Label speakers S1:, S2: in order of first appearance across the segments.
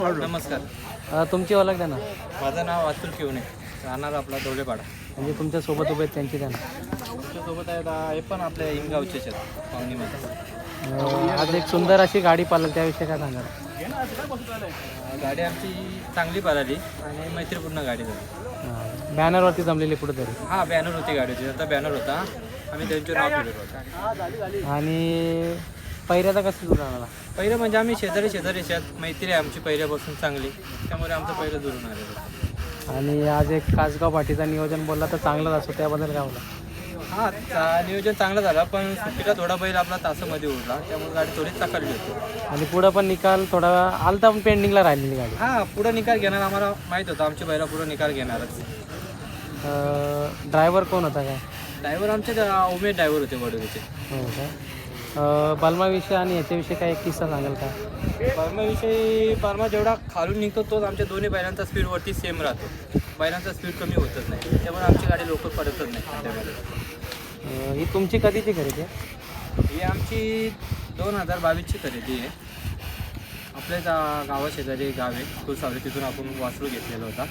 S1: नमस्कार. तुमची ओळख द्या ना.
S2: माझं नाव अतुल किवणे, राहणार आपला डोलेपाडा.
S1: म्हणजे तुमच्यासोबत उभे आहेत त्यांची द्या ना.
S2: तुमच्यासोबत आहेत हे पण आपल्या इंगावचेच आहेत पाहुणीमध्ये.
S1: आज एक सुंदर अशी गाडी पाहिली, त्याविषयी काय सांगाल?
S2: गाडी आमची चांगली पळाली आणि मैत्रीपूर्ण गाडी झाली.
S1: बॅनरवरती जमलेली कुठेतरी.
S2: हां, बॅनर होती गाडीची. आता बॅनर होता, आम्ही त्यांचे नाव ठेवलेलं होतं.
S1: आणि पहिऱ्याचा कसं जुळून आला?
S2: पहिलं म्हणजे आम्ही शेजारी आहेत, मैत्री आहे आमची पहिल्यापासून चांगली, त्यामुळे आमचं पहिलं जुळून आलेलं.
S1: आणि आज एक कासगाव पाठीचा नियोजन बोलला तर चांगलाच असतो, त्याबद्दल काय बोला?
S2: हां, नियोजन चांगलं झालं, पण सुट्टीला थोडा बैल आपला तासामध्ये उरला, त्यामुळे गाडी थोडी चाकळली होती.
S1: आणि पुढं पण निकाल थोडा आलता, पण पेंडिंगला राहिलेली गाडी.
S2: हां, पुढं निकाल घेणार आम्हाला माहीत होतं, आमची बैला पुढं निकाल घेणारच.
S1: ड्रायव्हर कोण होता काय?
S2: ड्रायव्हर आमचे उमेश ड्रायव्हर होते वडोदीचे.
S1: हो का? बलमाविषयी आणि याच्याविषयी काय एक किस्सा सांगाल का?
S2: बर्मा जेवढा खालून निघतो तोच आमच्या दोन्ही बैलांचा स्पीडवरती सेम राहतो. बैलांचा स्पीड कमी होतच नाही, त्यामुळे आमची गाडी लवकर पडतच नाही त्यामध्ये.
S1: ही तुमची कधीची खरेदी आहे?
S2: ही आमची 2022ची खरेदी आहे. आपल्याच गावाशेजारी गाव आहे तुळसावली, तिथून आपण वासरू घेतलेला होता.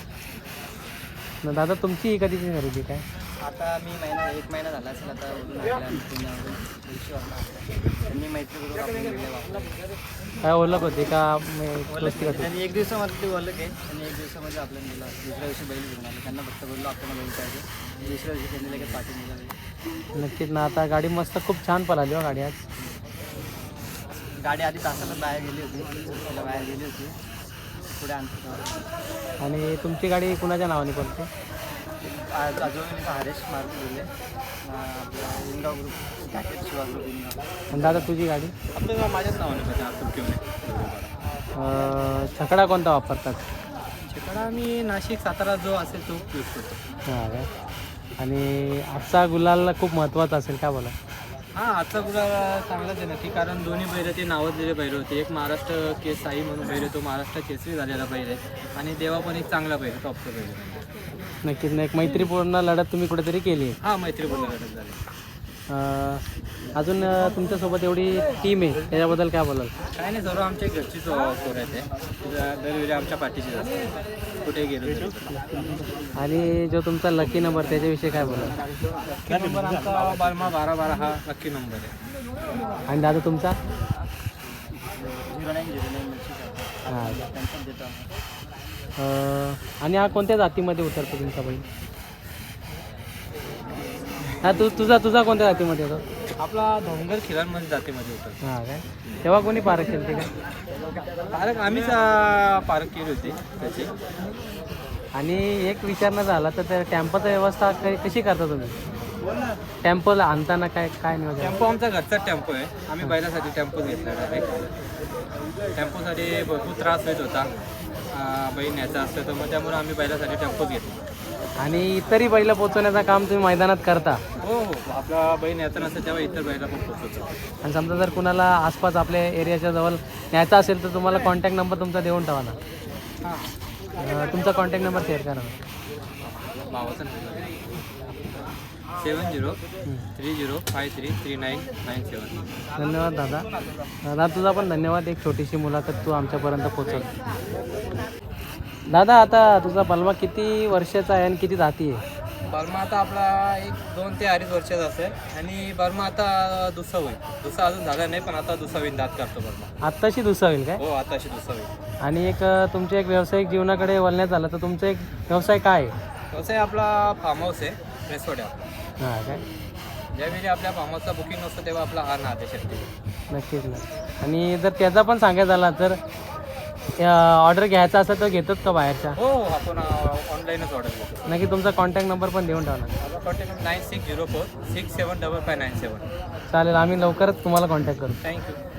S1: दादा तुमची ही कधीची खरेदी काय?
S2: आता मी एक महिना झाला असेल आता त्यांनी मैत्री करून
S1: काय ओळख होती का?
S2: त्यांनी एक दिवसामध्ये ते ओळख आहे आणि एक दिवसामध्ये आपल्याला दिला. दुसऱ्या दिवशी बैल घेऊन आले, त्यांना फक्त बोललो आपल्याला बैल पाहिजे. दुसऱ्या दिवशी त्यांनी लगेच पाठी निघाली.
S1: नक्कीच ना. आता गाडी मस्त खूप छान पळाली हो गाडी आज.
S2: गाडी आधी तासाला बाहेर गेली होती, सुट्टीला बाहेर गेली होती, पुढे आणतो.
S1: आणि तुमची गाडी कुणाच्या नावाने पडते?
S2: अजून हरेश मारुती दिले आपला Ingav group packet Shiva group Ingav.
S1: आणि दादा तुझी गाडी?
S2: आपलं माझ्याच नावाने पाहिजे अतुल किवणे.
S1: छकडा कोणता वापरतात?
S2: छकडा आम्ही नाशिक सातारा जो असेल तो यूज करतो.
S1: हां काय? आणि आजचा गुलाल खूप महत्त्वाचा असेल का बोला?
S2: हां, आजचा गुलाल चांगलाच आहे नक्की, कारण दोन्ही बैल ते नावाजलेले बैल होते. एक महाराष्ट्र केस साई म्हणून बैल, तो महाराष्ट्र केसरी झालेला बैल आहे, आणि देवा पण एक चांगला बैल, टॉपचा बैल आहे.
S1: नक्कीच ना. एक मैत्रीपूर्ण लढत तुम्ही कुठेतरी केली आहे.
S2: हां, मैत्रीपूर्ण लढत झाली.
S1: अजून तुमच्यासोबत एवढी टीम आहे, त्याच्याबद्दल काय बोलाल?
S2: काय नाही, सर्व आमच्या घरची पोरं आहेत, दरवेळी आमच्या पाठीशी असतात, कुठे गेलो तरी.
S1: आणि जो तुमचा लकी नंबर त्याच्याविषयी काय बोलाल?
S2: लकी नंबर आमचा बर्मा 1212 हा लकी नंबर आहे.
S1: आणि दादा तुमचा?
S2: 0909
S1: हां.
S2: त्यांच्याच देतो.
S1: आणि हा कोणत्या जातीमध्ये उतरतो तुमचा बैल? हा तुझा कोणत्या जातीमध्ये होतो?
S2: आपला धोंगर खिलारमध्ये जातीमध्ये होता.
S1: हां काय? तेव्हा कोणी पारख केली होती का?
S2: पारख आम्हीच पारख केली होती त्याची.
S1: आणि एक विचारणं झाला तर त्या टेम्पोची व्यवस्था कशी करता तुम्ही? टेम्पोला आणताना काय नियोजन?
S2: टेम्पो आमचा घरचा टेम्पो आहे, आम्ही बैलासाठी टेम्पोच घेतला डायरेक्ट. टेम्पोसाठी भरपूर त्रास होत होता, बैल न्यायचा असतं तर मग त्यामुळे आम्ही बैलासाठी टेम्पोच घेतला.
S1: आणि इतरही बैल पोचवण्याचं काम तुम्ही मैदानात करता?
S2: हो, आपला बैल न्यायचा नसतं तेव्हा इतर बैला पण पोचवतो.
S1: आणि समजा जर कुणाला आसपास आपल्या एरियाच्या जवळ न्यायचा असेल तर तुम्हाला कॉन्टॅक्ट नंबर तुमचा देऊन ठेवा ना.
S2: हां,
S1: तुमचा कॉन्टॅक्ट नंबर शेअर करा ना.
S2: भावाचा 7030533997.
S1: धन्यवाद दादा तुझा पण धन्यवाद. एक छोटीशी मुलाखत तू आमच्यापर्यंत पोचवली. दादा आता तुझा बलमा किती वर्षाचा आहे आणि किती जाती आहे?
S2: बर्मा आता आपला 2 ते 2.5 वर्षाचा असेल, आणि बर्मा आता दुसरा होईल. दुसरा अजून झाला नाही, पण आता दुसरा होईल, दात करतो बर्मा.
S1: आत्ताशी दुसरा होईल काय?
S2: हो, आताशी दुसरा होईल.
S1: आणि एक तुमच्या एक व्यावसायिक जीवनाकडे वळण्यात आलं तर तुमचा एक व्यवसाय काय आहे?
S2: व्यवसाय आपला फार्म हाऊस आहे, रेसोर्ट आहे आपला.
S1: हां काय?
S2: ज्यावेळी आपल्या फार्म हाऊसचा बुकिंग असतं तेव्हा आपला हा नाद आहे शेवटी.
S1: नक्कीच ना. आणि जर त्याचा पण सांगायचं झाला तर ऑर्डर घ्यायचा असेल तर घेतात का बाहेरच्या?
S2: हो, आपण ऑनलाईनच ऑर्डर घेतो.
S1: नक्की तुमचा कॉन्टॅक्ट नंबर पण देऊन ठेवा ना.
S2: माझा कॉन्टॅक्ट नंबर 9604 675597.
S1: चालेल, आम्ही लवकरच तुम्हाला कॉन्टॅक्ट करू.
S2: थँक्यू.